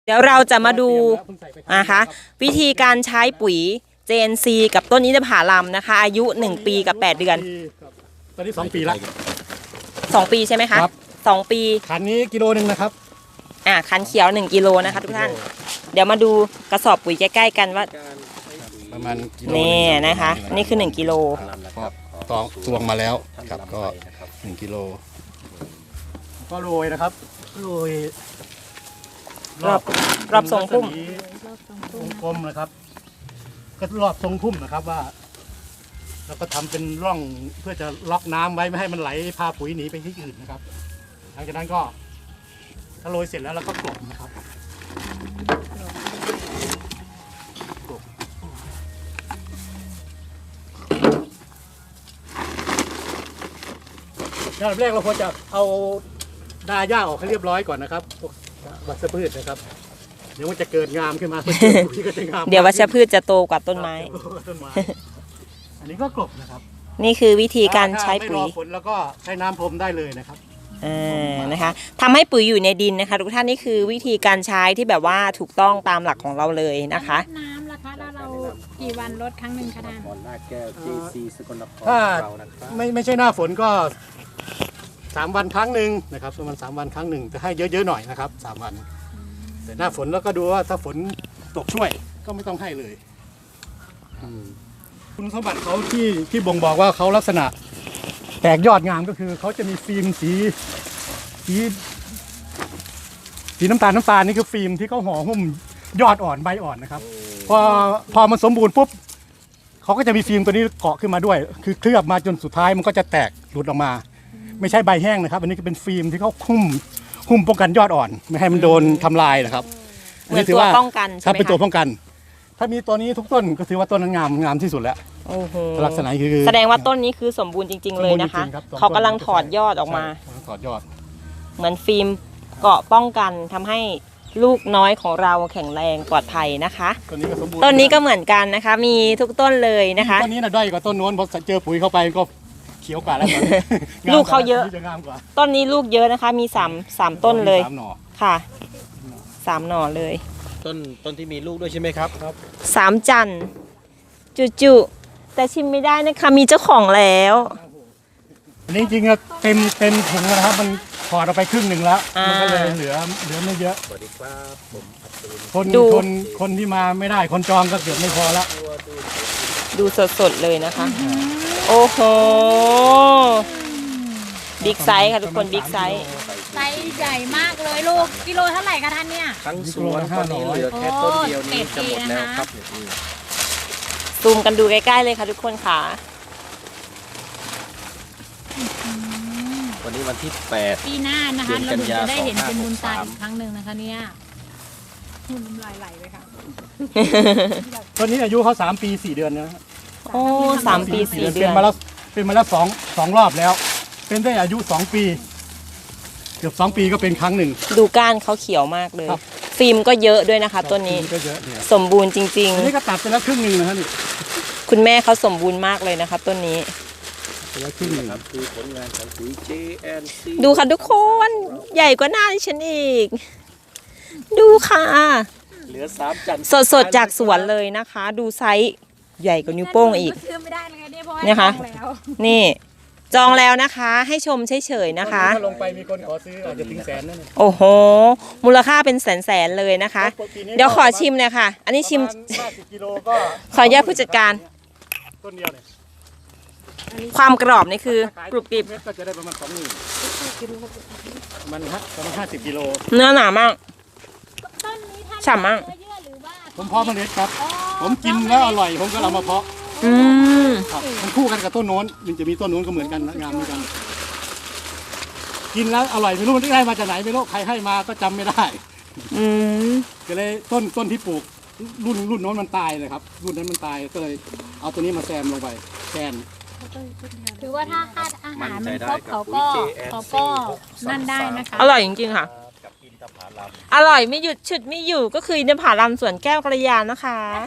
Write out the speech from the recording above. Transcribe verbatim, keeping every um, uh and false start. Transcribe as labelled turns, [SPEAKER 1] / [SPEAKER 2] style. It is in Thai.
[SPEAKER 1] เดี๋ยวเราจะมาดูนะคะวิธีการใช้ปุ๋ย เจ เอ็น ซี กับต้นอินทผลัมนะคะอายุหนึ่งปีกับแปดเดือน
[SPEAKER 2] ตอนนี้สองปีละ
[SPEAKER 1] สองปีใช่ไหมคะสองปี
[SPEAKER 2] คันนี้กิโลหนึ่งนะครับ
[SPEAKER 1] อ่าคันเขียวหนึ่งกิโลนะคะทุกท่านเดี๋ยวมาดูกระสอบปุ๋ยใกล้ๆกันว่า
[SPEAKER 2] ประมาณกิโล
[SPEAKER 1] นี่นะคะนี่คือหนึ่งกิโล
[SPEAKER 2] ตองตวงมาแล้วครับก็หนึ่งกิโลก็โรยนะครับโรย
[SPEAKER 1] รอบรอบทรงพุ่ม
[SPEAKER 2] วงกลมนะครับก็รอบทรงพุ่มนะครับว่าแล้วก็ทำเป็นร่องเพื่อจะล็อกน้ำไว้ไม่ให้มันไหลพาปุ๋ยหนีไปที่อื่นนะครับหลังจากนั้นก็ถ้าโรยเสร็จแล้วเราก็กลบนะครับกลบอย่างแรกเราควรจะเอาดาหญ้าออกให้เรียบร้อยก่อนนะครับวัชพืชนะครับเดี๋ยวมันจะเกิดงามขึ้นมาปุ๋ยก็จะงาม
[SPEAKER 1] เดี๋ยววัชพืชจะโตกว่าต้นไม้
[SPEAKER 2] ต้นไม้อันนี้ก็กลบนะครับ
[SPEAKER 1] นี่คือวิธีการใช้ปุ๋ย
[SPEAKER 2] ไม่รอฝนแล้วก็ใช้น้ำพรมได้เลยนะครับ
[SPEAKER 1] อ่านะคะทำให้ปุ๋ยอยู่ในดินนะคะทุกท่านนี่คือวิธีการใช้ที่แบบว่าถูกต้องตามหลักของเราเลยนะคะ
[SPEAKER 3] น้ำล่ะคะแล้วเรากี่วันลดครั้งหนึ่งคะท่าน
[SPEAKER 2] ถ้าไม่ไม่ใช่หน้าฝนก็สามวันครั้งหนึ่งนะครับประมาณสามวันครั้งหนึ่งจะให้เยอะๆหน่อยนะครับสามวันแต่หน้าฝนแล้วก็ดูว่าถ้าฝนตกช่วยก็ไม่ต้องให้เลยคุณสมบัติเขาที่ที่บ่งบอกว่าเขาลักษณะแตกยอดงามก็คือเขาจะมีฟิล์มสีสีสีน้ำตาลน้ำตาลนี่คือฟิล์มที่เขาห่อหุ้มยอดอ่อนใบอ่อนนะครับพอพอมันสมบูรณ์ปุ๊บเขาก็จะมีฟิล์มตัวนี้เกาะขึ้นมาด้วยคือเคลือบมาจนสุดท้ายมันก็จะแตกหลุดออกมาไม่ใช่ใบแห้งนะครับอันนี้ก็เป็นฟิล์มที่เขาหุ้มหุ้มป้องกันยอดอ่อนไม่ให้มันโดนทำลายนะครับ
[SPEAKER 1] อันนี้ถือว่าป้องกันใช่ไหม
[SPEAKER 2] ครับเป็นตัวป้องกันถ้ามีตัวนี้ทุกต้นก็ถือว่าต้นนั้นงามงามที่สุดแล้วลักษณะคือ
[SPEAKER 1] แสดงว่าต้นนี้คือสมบูรณ์จริงๆเลยนะคะเขากำลังถอดยอดออกมา
[SPEAKER 2] ถอดยอด
[SPEAKER 1] เหมือนฟิล์มเกาะป้องกันทำให้ลูกน้อยของเราแข็งแรงปลอดภัยนะคะต้นนี้ก็สมบูรณ์ต้นนี้ก็เหมือนกันนะคะมีทุกต้นเลยนะคะ
[SPEAKER 2] ต้นนี้น่ะด้อยกว่าต้นโน้นพอเจอปุ๋ยเข้าไปก็เขียวกว่าแล้ว
[SPEAKER 1] ลูกเขาเยอะต้นนี้ลูกเยอะนะคะมีสามสามต้นเลยค่ะสามหน่อเลย
[SPEAKER 4] ต้นต้นที่มีลูกด้วยใช่ไหมครับครับ
[SPEAKER 1] สามจันจุจุแต่ชิมไม่ได้นะคะมีเจ้าของแล้ว
[SPEAKER 2] อันนี้จริงๆเต็มเต็มถุงนะครับมันถอดออกไปครึ่งหนึ่งแล้วมันก็เลยเหลือเหลือไม่เยอะ
[SPEAKER 4] สวัสดีครับผม
[SPEAKER 2] คนคนคนที่มาไม่ได้คนจองก็เกือบไม่พอแล้ว
[SPEAKER 1] ดูสดๆเลยนะคะโอ้โหบิ๊กไซส์ค่ะทุกคนบิ๊กไซส์
[SPEAKER 3] ไซส์ใหญ่มากเลยลูกกิโลเท่าไหร่คะท่านเนี่ย
[SPEAKER 4] ทั้งสวนตอนนี้เหลือแค่ต้นเดียวนี้จะหมดแล้วครับ
[SPEAKER 1] ซูมกันดูใกล้ๆเลยค่ะทุกคนค่ะ
[SPEAKER 4] วันนี้วันที่แปด
[SPEAKER 3] ปีหน้านะคะเราจะได้เห็นเป็นมูลตาอีกครั้งหนึ่งนะคะเนี่ยหุ่นน้ำลายไหลเลยค่ะ
[SPEAKER 2] ตอนนี้อายุเขาสามปีสี่เดือนนะ
[SPEAKER 1] โอ้สามปีสี่เดือน
[SPEAKER 2] เป็นมาแล้วเป็นมาแล้วสองสองรอบแล้วเป็นได้อายุสองปีเกือบสองปีก็เป็นครั้งหนึ่ง
[SPEAKER 1] ดูก้านเขาเขียวมากเลยฟิล์มก็เยอะด้วยนะคะต้นนี้สมบูรณ์จริงๆ
[SPEAKER 2] อันนี้ก็ตัดไปแล้วครึ่งหนึ่งนะฮะนี่
[SPEAKER 1] คุณแม่เขาสมบูรณ์มากเลยนะคะต้นนี้
[SPEAKER 2] แล้วครึ่งหนึ่งครับ
[SPEAKER 4] คือผลงานของปุ๋ย เจ เอ็น ซี
[SPEAKER 1] ดูค่ะทุกคนใหญ่กว่าหน้าดิฉันอีกดูค่ะ
[SPEAKER 4] เหลือสามจัน
[SPEAKER 1] สดๆจากสวนเลยนะคะ ดูไซส์ใหญ่กว่านิ้วโป้งอีก
[SPEAKER 3] นี่ค่ะ
[SPEAKER 1] นี่จองแล้วนะคะให้ชมเฉยๆนะคะ
[SPEAKER 2] ถ้าลงไปมีคนขอซื้ออาจจะถึงแสนนั่น
[SPEAKER 1] โอ้โหมูลค่าเป็นแสนๆเลยนะคะเดี๋ยวขอชิมเลยค่ะอันนี้ชิมขออนุญาตผู้จัดการ
[SPEAKER 2] ต้นเดียวเลย
[SPEAKER 1] ความกรอบนี่คือกรุบกริบ
[SPEAKER 2] ก็จะได้ประมาณสองหมื่นมันฮะประมาณห้าสิบกิโล
[SPEAKER 1] เนื้อหนามากฉ่ำมาก
[SPEAKER 2] ผมเพาะเมล็ดครับผมกินแล้วอร่อยผมก็เอามาเพาะ
[SPEAKER 1] อืม
[SPEAKER 2] มันคู่กันกับต้นโน้นมันจะมีต้นโน้นก็เหมือนกันงามเหมือนกันกินแล้วอร่อยไม่รู้มันได้มาจากไหนไม่รู้ใครให้มาก็จำไม่ได้
[SPEAKER 1] อืม
[SPEAKER 2] ก็เลยต้นต้นที่ปลูกรุ่นรุ่นโน้นมันตายเลยครับรุ่นนั้นมันตายก็เลยเอาตัวนี้มาแซมลงไปแซม
[SPEAKER 3] ถือว่าถ้าค่าอาหารมันครบเขาก็เขาก็นั่นได้นะคะ
[SPEAKER 1] อร่อยจริงๆค่ะอร่อยไม่หยุดฉุดไม่อยู่ก็คืออินทผลัมสวนแก้วกัลยานะคะ